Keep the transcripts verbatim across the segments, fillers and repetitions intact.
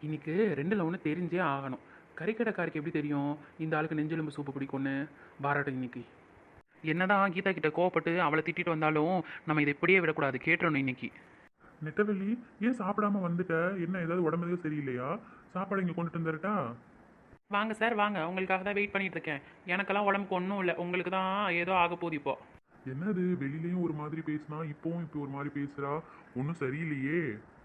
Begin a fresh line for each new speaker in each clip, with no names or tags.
இன்னைக்கு ரெண்டில் ஒன்று தெரிஞ்சே ஆகணும். கறிக்கடைக்காருக்கு எப்படி தெரியும் இந்த ஆளுக்கு நெஞ்செலும்பு சூப்பு பிடிக்கும்னு? பாராட்டும் இன்னைக்கு. என்னதான் கீதா கிட்ட கோவப்பட்டு அவளை திட்டிட்டு வந்தாலும் நம்ம இதை இப்படியே விடக்கூடாது, கேட்டுறணும் இன்னைக்கு.
நெட்டவெளி, ஏன் சாப்பிடாம வந்துட்ட? என்ன ஏதாவது உடம்பு எதுவும் சரியில்லையா? சாப்பாடு இங்கே கொண்டுட்டு வந்துடட்டா?
வாங்க சார் வாங்க, உங்களுக்காக தான் வெயிட் பண்ணிட்டு இருக்கேன். எனக்கெல்லாம் உடம்புக்கு ஒன்றும் இல்லை, உங்களுக்கு தான் ஏதோ ஆக போகுது இப்போ.
என்னது, வெளியிலயும் ஒரு மாதிரி பேசினா இப்போவும் இப்போ ஒரு மாதிரி பேசுறா? ஒன்றும் சரியில்லையே.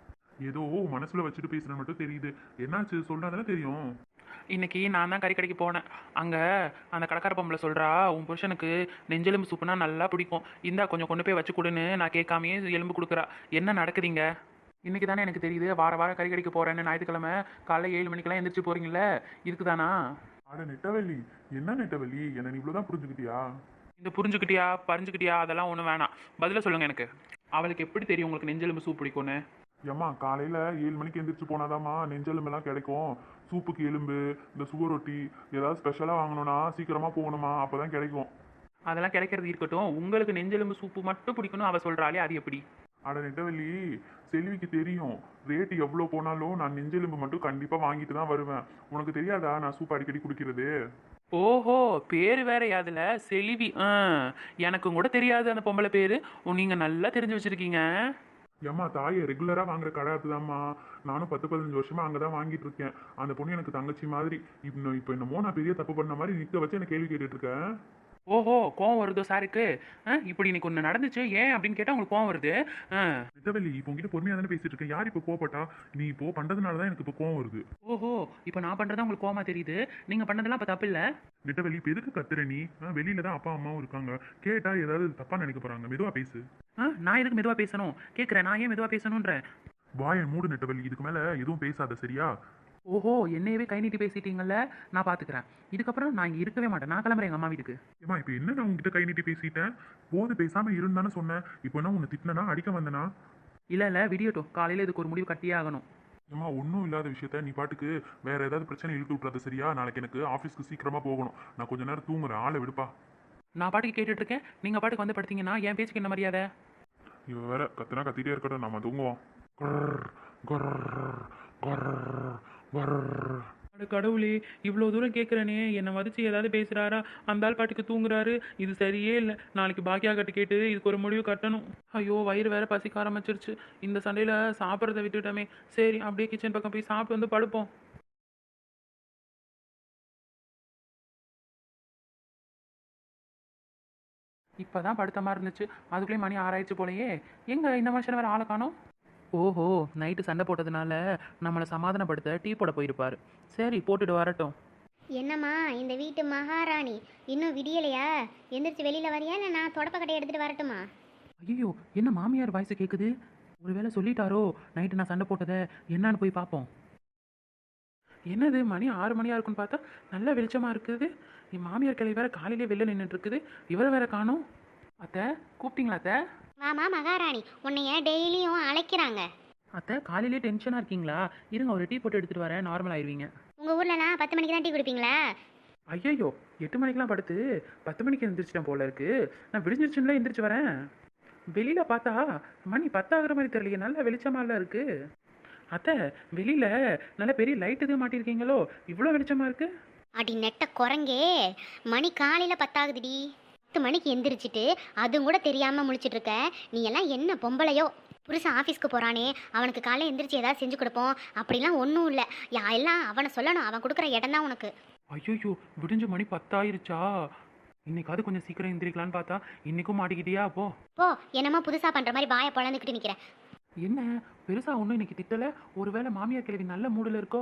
ஏதோ மனசுல வச்சுட்டு பேசுற மட்டும் தெரியுது. என்னாச்சு சொன்னாதானே தெரியும்.
இன்னைக்கு நான் தான் கறிக்கடைக்கு போனேன். அங்கே அந்த கடைக்கார பொம்பளை சொல்கிறா, உன் புருஷனுக்கு நெஞ்செலும்பு சூப்புனா நல்லா பிடிக்கும், இந்தா கொஞ்சம் கொண்டு போய் வச்சு கொடுன்னு நான் கேட்காமையே எலும்பு கொடுக்குறா. என்ன நடக்குதுங்க? இன்னைக்கு தானே எனக்கு தெரியுது வார வாரம் கறிக்கடைக்கு போகிறேன்னு. ஞாயிற்றுக்கிழமை காலைல ஏழு மணிக்கெல்லாம் எந்திரிச்சு போகிறீங்களே, இதுக்கு தானா?
அட நெட்டவெளி, என்ன நெட்டவெளி, என்ன நீ இவ்வளோதான் புரிஞ்சுக்கிட்டியா?
இந்த புரிஞ்சுக்கிட்டியா பறிஞ்சுக்கிட்டியா அதெல்லாம் ஒன்றும் வேணாம், பதில சொல்லுங்கள் எனக்கு. அவளுக்கு எப்படி தெரியும் உங்களுக்கு நெஞ்செலும்பு சூப் பிடிக்கும்னு?
ஏம்மா, காலையில ஏழு மணிக்கு எந்திரிச்சு போனாதாம்மா நெஞ்செலும்பெல்லாம் கிடைக்கும். சூப்புக்கு எலும்பு, இந்த சுவர் ரொட்டி ஏதாவது ஸ்பெஷலாக வாங்கணும்னா சீக்கிரமா போகணுமா, அப்பதான் கிடைக்கும்.
அதெல்லாம் கிடைக்கிறது இருக்கட்டும், உங்களுக்கு நெஞ்செலும்பு சூப்பு மட்டும் பிடிக்கணும் அவள் சொல்கிறாளே, அது எப்படி?
அட நெட்டவெளி, செல்விக்கு தெரியும் ரேட்டு எவ்வளோ போனாலும் நான் நெஞ்செலும்பு மட்டும் கண்டிப்பாக வாங்கிட்டு தான் வருவேன். உனக்கு தெரியாதா நான் சூப் அடிக்கடி குடிக்கிறது?
ஓஹோ, பேர் வேற யாதுல செலிவி. ஆ, எனக்கும் கூட தெரியாது அந்த பொம்பளை பேரு. நீங்கள் நல்லா தெரிஞ்சு வச்சிருக்கீங்க.
ஏம்மா தாயை ரெகுலராக வாங்குற கடை அதுதாம்மா. நானும் பத்து பதினஞ்சு வருஷமா அங்கே தான் வாங்கிட்டு இருக்கேன். அந்த பொண்ணு எனக்கு தங்கச்சி மாதிரி. இப்போ இப்போ என்னமோ நான் பெரிய தப்பு பண்ண மாதிரி நிற்க வச்சு எனக்கு கேள்வி கேட்டுட்டு இருக்கேன்.
ஓஹோ, கோவம் வருதோ சாருக்கு? ஆ, இப்படி இன்னைக்கு ஒன்று நடந்துச்சு ஏன் அப்படின்னு கேட்டால் உங்களுக்கு கோவம் வருது. ஆ.
நெட்டவெளி, இப்போ உங்ககிட்ட பொறுமையாக தானே பேசிட்டு இருக்கேன். யார் இப்போ கோவப்பட்டா? நீ இப்போ பண்ணுறதுனால தான் எனக்கு இப்போ கோவம் வருது.
ஓஹோ, இப்போ நான் பண்ணுறதா உங்களுக்கு கோவமா தெரியுது. நீங்கள் பண்ணதெல்லாம் இப்போ தப்பு இல்லை.
நெட்டவெளி, இப்போ எதுக்கு கத்துற நீ? ஆ, வெளியில தான் அப்பா அம்மாவும் இருக்காங்க. கேட்டா ஏதாவது தப்பா நினைக்க போறாங்க. மெதுவா பேசு.
ஆ, நான் எதுக்கு மெதுவாக பேசணும் கேட்குறேன். நான் ஏன் மெதுவாக பேசணுன்றேன்?
வாயை மூடு நெட்டவெளி, இதுக்கு மேல எதுவும் பேசாத, சரியா?
ஓஹோ, என்னையவே கை நீட்டி பேசிட்டீங்கல்ல, நான் பார்த்துக்கிறேன். இதுக்கப்புறம் நான் இங்கே இருக்கவே மாட்டேன், நான் கிளம்புறேன் எங்கள் அம்மா வீட்டுக்கு.
ஏமா, இப்போ என்ன நான் உங்ககிட்ட கை நீட்டி பேசிட்டேன்? போது பேசாம இருந்தானே சொன்னேன். இப்போ என்ன உன்னை திட்டினா அடிக்க வந்தனா?
இல்லை இல்லை, விடியட்டும், காலையில் இதுக்கு ஒரு முடிவு கட்டியே ஆகணும்.
ஏமா, ஒன்றும் இல்லாத விஷயத்த நீ பாட்டுக்கு வேற ஏதாவது பிரச்சனை இழுத்து விட்றாத, சரியா? நாளைக்கு எனக்கு ஆஃபீஸ்க்கு சீக்கிரமா போகணும். நான் கொஞ்ச நேரம் தூங்குறேன், ஆளை விடுப்பா.
நான் பாட்டுக்கு கேட்டுட்டு இருக்கேன், நீங்கள் பாட்டுக்கு வந்து படுத்தீங்கன்னா என் பேச்சுக்கு என்ன மரியாதை?
இவ வேற கத்துனா கத்திட்டே இருக்கட்டும், நம்ம தூங்குவோம். குர்ர், குர்ர், குர்ர், குர்ர்.
அட கடவுளே, இவ்வளோ தூரம் கேட்குறேனே, என்னை மதிச்சு ஏதாவது பேசுகிறாரா? அந்த ஆள் பாட்டுக்கு தூங்குறாரு, இது சரியே இல்லை. நாளைக்கு பாக்கியா கட்டு கேட்டு இதுக்கு ஒரு முடிவு கட்டணும். ஐயோ, வயிறு வேற பசிக்க ஆரம்பிச்சிருச்சு. இந்த சண்டையில் சாப்பிட்றத விட்டுட்டோமே. சரி, அப்படியே கிச்சன் பக்கம் போய் சாப்பிட்டு வந்து படுப்போம். இப்போ தான் படுத்த மாதிரி இருந்துச்சு, அதுக்குள்ளேயே மணி ஆறாயிடுச்சு போலயே. எங்க இந்த மனுஷன் வேறு ஆளை காணோம்? ஓஹோ, நைட்டு சண்டை போட்டதுனால நம்மளை சமாதானப்படுத்த டீ போட போயிருப்பார். சரி, போட்டுட்டு வரட்டும்.
என்னம்மா இந்த வீட்டு மகாராணி, இன்னும் விடியலையா? எந்திரிச்சு வெளியில் வரியா, இல்லை நான் தொடப்பக்கட்டை எடுத்துகிட்டு வரட்டுமா?
ஐயோ, என்ன மாமியார் வாய்ஸ் கேட்குது? ஒருவேளை சொல்லிட்டாரோ நைட்டு நான் சண்டை போட்டதை? என்னான்னு போய் பார்ப்போம். என்னது, மணி ஆறு மணியாக இருக்குன்னு பார்த்தா நல்ல வெளிச்சமாக இருக்குது. என் மாமியார் கிளை வேற காலையிலே வெளில நின்றுட்டு இருக்குது, இவரை வேற காணோம். அத்தை, கூப்பிட்டீங்களா அத்தை?
மாமா மகாராணி, உன்னைய டெய்லியும் அழைக்கிறாங்க.
அத்தை, காலையிலே டென்ஷனாக இருக்கீங்களா? இருங்க, ஒரு டீ போட்டு எடுத்துகிட்டு வரேன், நார்மல் ஆயிடுவீங்க.
உங்கள் ஊர்லலாம் பத்து மணிக்கு தான் டீ குடிப்பீங்களா?
ஐயோ, எட்டு மணிக்கெலாம் படுத்து பத்து மணிக்கு எழுந்திரிச்சிட்டேன் போல இருக்கு. நான் விடிஞ்சிருச்சுன்னா எந்திரிச்சு வரேன். வெளியில் பார்த்தா மணி பத்தாகிற மாதிரி தெரியலையே, நல்ல வெளிச்சமாலாம் இருக்கு. அத்தை, வெளியில் நல்ல பெரிய லைட் எதுவும் மாட்டியிருக்கீங்களோ, இவ்வளோ வெளிச்சமாக இருக்கு?
அடி நெட்ட குரங்கே, மணி காலையில் பத்தாகுதுடி. பத்து மணிக்கு எந்திரிச்சிட்டு அதுவும் கூட தெரியாமல் முழிச்சிட்டு இருக்க. நீ எல்லாம் என்ன பொம்பளையோ? புருஷன் ஆஃபீஸ்க்கு போகிறானே, அவனுக்கு காலையில் எந்திரிச்சு ஏதாவது செஞ்சு கொடுப்போம் அப்படிலாம் ஒன்றும் இல்லை. யா எல்லாம் அவனை சொல்லணும், அவன் கொடுக்குற இடம் தான் உனக்கு.
ஐயோ, விடிஞ்ச மணி பத்தாயிருச்சா? இன்னைக்காவது கொஞ்சம் சீக்கிரம் எந்திரிக்கலான்னு பார்த்தா இன்னைக்கும் மாட்டிக்கிட்டியா? போ
போ, என்னமோ புதுசாக பண்ணுற மாதிரி வாயை பொழந்துக்கிட்டு நிற்கிறேன்.
என்ன பெருசா ஒன்றும் இன்னைக்கு திட்டலை? ஒருவேளை மாமியார் கிழவி நல்ல மூடில் இருக்கோ?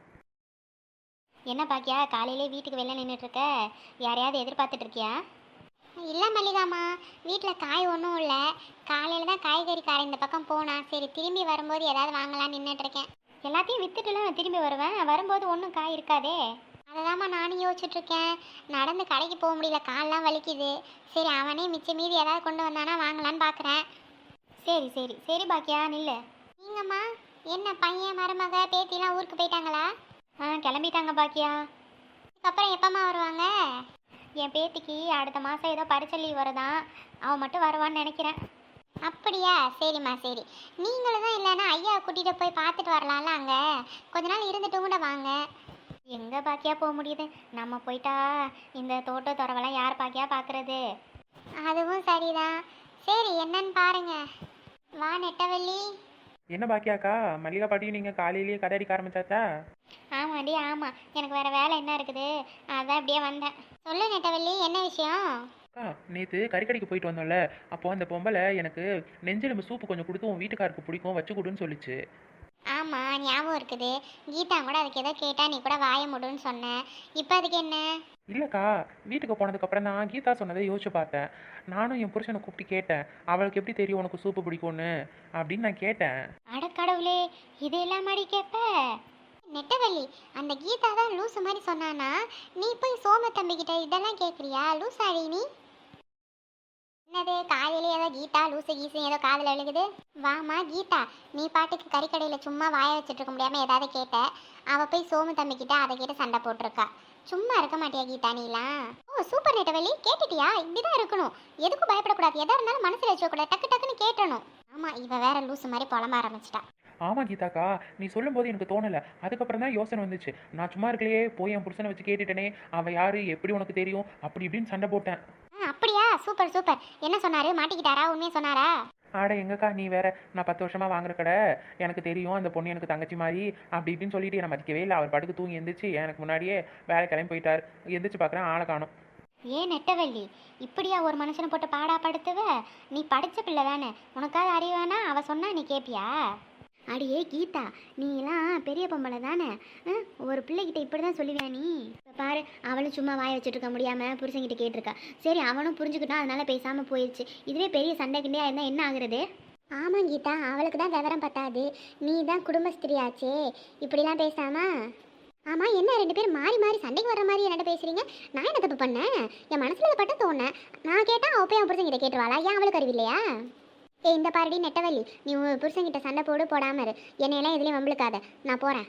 என்ன பாக்கியா, காலையிலே வீட்டுக்கு வெளில நின்றுட்டு இருக்க? யாரையாவது எதிர்பார்த்துட்டு இருக்கியா? இல்லை மல்லிகாமா, வீட்டில் காய் ஒன்றும் இல்லை. காலையில் தான் காய்கறிக்கார இந்த பக்கம் போனா, சரி திரும்பி வரும்போது ஏதாவது வாங்கலாம்னு நின்றுட்டுருக்கேன். எல்லாத்தையும் வித்துட்டுலாம் நான் திரும்பி வருவேன், வரும்போது ஒன்றும் காய் இருக்காதே. அதை தாம்மா நானும் யோசிச்சுட்ருக்கேன். நடந்து கடைக்கு போக முடியல, கால்லாம் வலிக்குது. சரி அவனே மிச்சம் மீதி ஏதாவது கொண்டு வந்தானா வாங்கலான்னு பார்க்குறேன். சரி சரி சரி பாக்கியா, நில்லு. நீங்கம்மா, என்ன பையன் மருமக பேத்திலாம் ஊருக்கு போயிட்டாங்களா? ஆ, கிளம்பிட்டாங்க பாக்கியா. இதுக்கப்புறம் எப்போம்மா வருவாங்க? என் பேத்திக்கு அடுத்த மாதம் ஏதோ பரிச்சை லீவ் வருதான், அவன் மட்டும் வருவான்னு நினைக்கிறேன். அப்படியா? சரிம்மா சரி. நீங்களும் தான் இல்லைன்னா ஐயா கூட்டிகிட்டு போய் பார்த்துட்டு வரலாம்ல அங்கே. கொஞ்ச நாள் இருந்துட்டு கூட வாங்க. எங்கே பாக்கியா போக முடியுது? நம்ம போயிட்டா இந்த தோட்ட துறவெல்லாம் யார் பாக்கியா பார்க்குறது? அதுவும் சரிதான். சரி என்னன்னு பாருங்க. வா நெட்டவள்ளி.
என்ன பாக்கியாக்கா, மல்லிகா பாட்டியும் நீங்கள் காலையிலேயே கதை அடிக்க ஆரம்பிச்சாச்சா?
ஆமாடி ஆமாம், எனக்கு வேறு வேலை என்ன இருக்குது, அதான் அப்படியே வந்தேன். சொல்லு நெட்டவள்ளி, என்ன விஷயம்?
அக்கா, நேற்று கறிக்கடைக்கு போயிட்டு வந்தோம்ல, அப்போ அந்த பொம்பளை எனக்கு நெஞ்செலும்பு சூப்பு கொஞ்சம் கொடுத்து உன் வீட்டுக்காருக்கு பிடிக்கும் வச்சு கொடுன்னு சொல்லிச்சு.
ஆமாம் ஞாபகம் இருக்குது. கீதா கூட அதுக்கு ஏதோ கேட்டா நீ கூட வாய முடுன்னு சொன்னேன். இப்போ அதுக்கு என்ன?
இல்லைக்கா, வீட்டுக்கு போனதுக்கப்புறம் தான் கீதா சொன்னதை யோசிச்சு பார்த்தேன். நானும் என் புருஷனை கூப்பிட்டு கேட்டேன், அவளுக்கு எப்படி தெரியும் உனக்கு சூப்பு பிடிக்கும்னு அப்படின்னு நான் கேட்டேன்.
அடக்கடவுளே, இது எல்லாமாடி கேட்ப? நெட்டவள்ளி, அந்த கீதா தான் லூசு மாதிரி சொன்னானா? நீ போய் சோம தம்பிக்கிட்ட இதெல்லாம் கேட்குறியா? லூசாடி நீ. என்னது காலையில ஏதோ கீதா லூசு கீசு ஏதோ காதில் விழுகுது? வாமா கீதா, நீ பாட்டுக்கு கறிக்கடையில் சும்மா வாய வச்சுட்டு இருக்க முடியாமல் ஏதாவது கேட்ட. அவள் போய் சோமு தம்பிக்கிட்ட அதை கேட்டு சண்டை போட்டிருக்கா. சும்மா இருக்க மாட்டியா கீதா நீலாம்? ஓ சூப்பர் நெட்டவள்ளி, கேட்டுட்டியா? இப்படிதான் இருக்கணும். எதுக்கும் பயப்படக்கூடாது. எதா இருந்தாலும் மனசில் வச்சுக்கூடாது, டக்கு டக்குன்னு கேட்டணும். ஆமாம், இவ வேற லூசு மாதிரி புலம்ப ஆரம்பிச்சிட்டா.
ஆமாம் கீதாக்கா, நீ சொல்லும்போது எனக்கு தோணலை. அதுக்கப்புறம் தான் யோசனை வந்துச்சு. நான் சும்மா இருக்கலையே, போய் என் புருஷனை வச்சு கேட்டுட்டேனே, அவள் யார் எப்படி உனக்கு தெரியும் அப்படி இப்படின்னு சண்டை போட்டேன்.
ஆ அப்படியா? Super super. என்ன சொன்னாரு? மாட்டிக்கிட்டாரா? உண்மையை சொன்னாரா?
ஆட எங்கக்கா நீ வேற, நான் பத்து வருஷமாக வாங்குற கடை, எனக்கு தெரியும் அந்த பொண்ணு எனக்கு தங்கச்சி மாதிரி அப்படி இப்படின்னு சொல்லிட்டு என்னை மதிக்கவே இல்லை. அவர் பாட்டுக்கு தூங்கி எந்திரிச்சு எனக்கு முன்னாடியே வேலை கிளம்பி போயிட்டார். எந்திரிச்சு பார்க்குறேன் ஆளை காணும்.
ஏன் நெட்டவள்ளி, இப்படியா ஒரு மனுஷனை போட்டு பாடா படுத்துவ? நீ படிச்ச பிள்ளை தானே, உனக்காவது அறிவானா? அவ சொன்னா நீ கேட்பியா? அடியே கீதா, நீலாம் பெரிய பொம்பளை தானே, ஒரு பிள்ளைகிட்ட இப்படி தான் சொல்லுவியா நீ? இப்போ பாரு, அவளும் சும்மா வாய வச்சுட்டு இருக்க முடியாமல் புருஷங்கிட்ட கேட்டிருக்கா. சரி அவனும் புரிஞ்சுக்கிட்டான், அதனால பேசாமல் போயிடுச்சு. இதுவே பெரிய சண்டை கிண்டையா இருந்தால் என்ன ஆகுறது? ஆமாம் கீதா, அவளுக்கு தான் விவரம் பத்தாது. நீ தான் குடும்பஸ்திரியாச்சே, இப்படிலாம் பேசாமா? ஆமாம், என்ன ரெண்டு பேரும் மாறி மாறி சண்டைக்கு வர மாதிரி என்னட்ட பேசுகிறீங்க? நான் என்ன தப்பு பண்ணேன்? என் மனசில் பட்ட தோணேன். நான் கேட்டால் அவள் போய் அவன் புருஷங்கிட்ட கேட்டுருவாளா? ஏன் அவளுக்கு அறிவில்லையா? ஏ இந்த பாருடி நெட்டவள்ளி, நீ உன் புருஷங்கிட்ட சண்டை போடு, போடாம இரு. என்னையெல்லாம் எதுலேயும் வம்பளுக்காத, நான் போகிறேன்.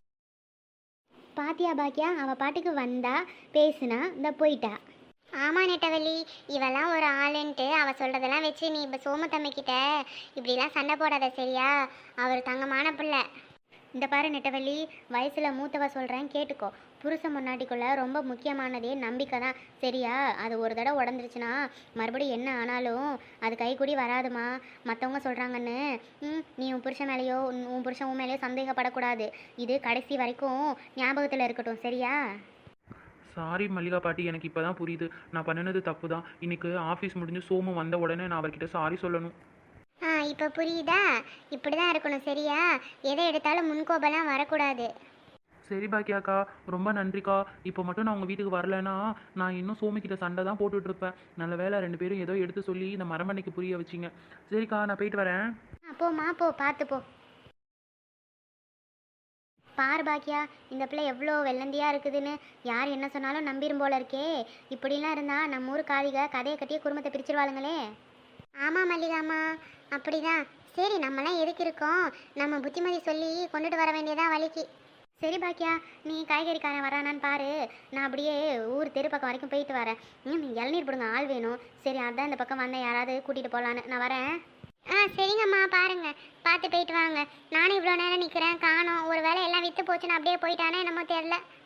பாத்தியா பாக்கியா, அவள் பாட்டுக்கு வந்தா பேசுனா இந்த போயிட்டா. ஆமாம் நெட்டவள்ளி, இவெல்லாம் ஒரு ஆளுன்ட்டு அவள் சொல்கிறதெல்லாம் வச்சு நீ இப்போ சோமத்தம்மைக்கிட்ட இப்படிலாம் சண்டை போடாத சரியா? அவர் தங்கமான பிள்ளை. இந்த பாரு நெட்டவள்ளி, வயசில் மூத்தவ சொல்கிறேன் கேட்டுக்கோ. புருஷன் முன்னாடிக்குள்ள ரொம்ப முக்கியமானதே நம்பிக்கை தான் சரியா? அது ஒரு தடவை உடஞ்சிருச்சுன்னா மறுபடியும் என்ன ஆனாலும் அது கைக்கூடி வராதுமா. மற்றவங்க சொல்கிறாங்கன்னு ம் நீ உன் புருஷன் மேலேயோ உன் புருஷன் உன் மேலேயோ சந்தேகப்படக்கூடாது. இது கடைசி வரைக்கும் ஞாபகத்தில் இருக்கட்டும் சரியா?
சாரி மல்லிகா பாட்டி, எனக்கு இப்போ தான் புரியுது. நான் பண்ணினது தப்பு தான். இன்னைக்கு ஆஃபீஸ் முடிஞ்சு சோமு வந்த உடனே நான் அவர்கிட்ட சாரி சொல்லணும்.
ஆ இப்போ புரியுதா? இப்படி தான் இருக்கணும் சரியா? எதை எடுத்தாலும் முன்கோபெல்லாம் வரக்கூடாது.
சரி பாக்கியாக்கா, ரொம்ப நன்றிக்கா. இப்போ மட்டும் நான் உங்கள் வீட்டுக்கு வரலைன்னா நான் இன்னும் சோமிக்கிட்ட சண்டை தான் போட்டுட்டு இருப்பேன். நல்ல வேலை ரெண்டு பேரும் ஏதோ எடுத்து சொல்லி இந்த மரமண்டைக்கு புரிய வச்சிங்க. சரிக்கா, நான் போயிட்டு வரேன்.
ஆ போம்மா போ, பார்த்து போ. பார் பாக்கியா, இந்த பிள்ளை எவ்வளோ வெள்ளந்தியாக இருக்குதுன்னு. யார் என்ன சொன்னாலும் நம்பிரும் போல இருக்கே. இப்படிலாம் இருந்தால் நம்ம ஊர் காளிக கதையை கட்டியே குடும்பத்தை பிரிச்சிருவாளுங்களே. ஆமாம் மல்லிகாமா, அப்படிதான். சரி நம்மளாம் எதுக்கு இருக்கோம்? நம்ம புத்திமதி சொல்லி கொண்டுட்டு வர வேண்டியதான் வழிக்கு. சரி பாக்கியா, நீ காய்கறிக்காரன் வரானான்னு பாரு. நான் அப்படியே ஊர் தெரு பக்கம் வரைக்கும் போயிட்டு வரேன். ம் இளநீர் பிடுங்க ஆள் வேணும். சரி அதான் இந்த பக்கம் வந்தேன், யாராவது கூட்டிகிட்டு போகலான்னு. நான் வரேன். ஆ சரிங்கம்மா, பாருங்க பார்த்து போயிட்டு வாங்க. நானும் இவ்வளோ நேரம் நிற்கிறேன் காணோம். ஒரு வேளை எல்லாம் விற்று போச்சுன்னு அப்படியே போயிட்டானே என்னமோ தெரில.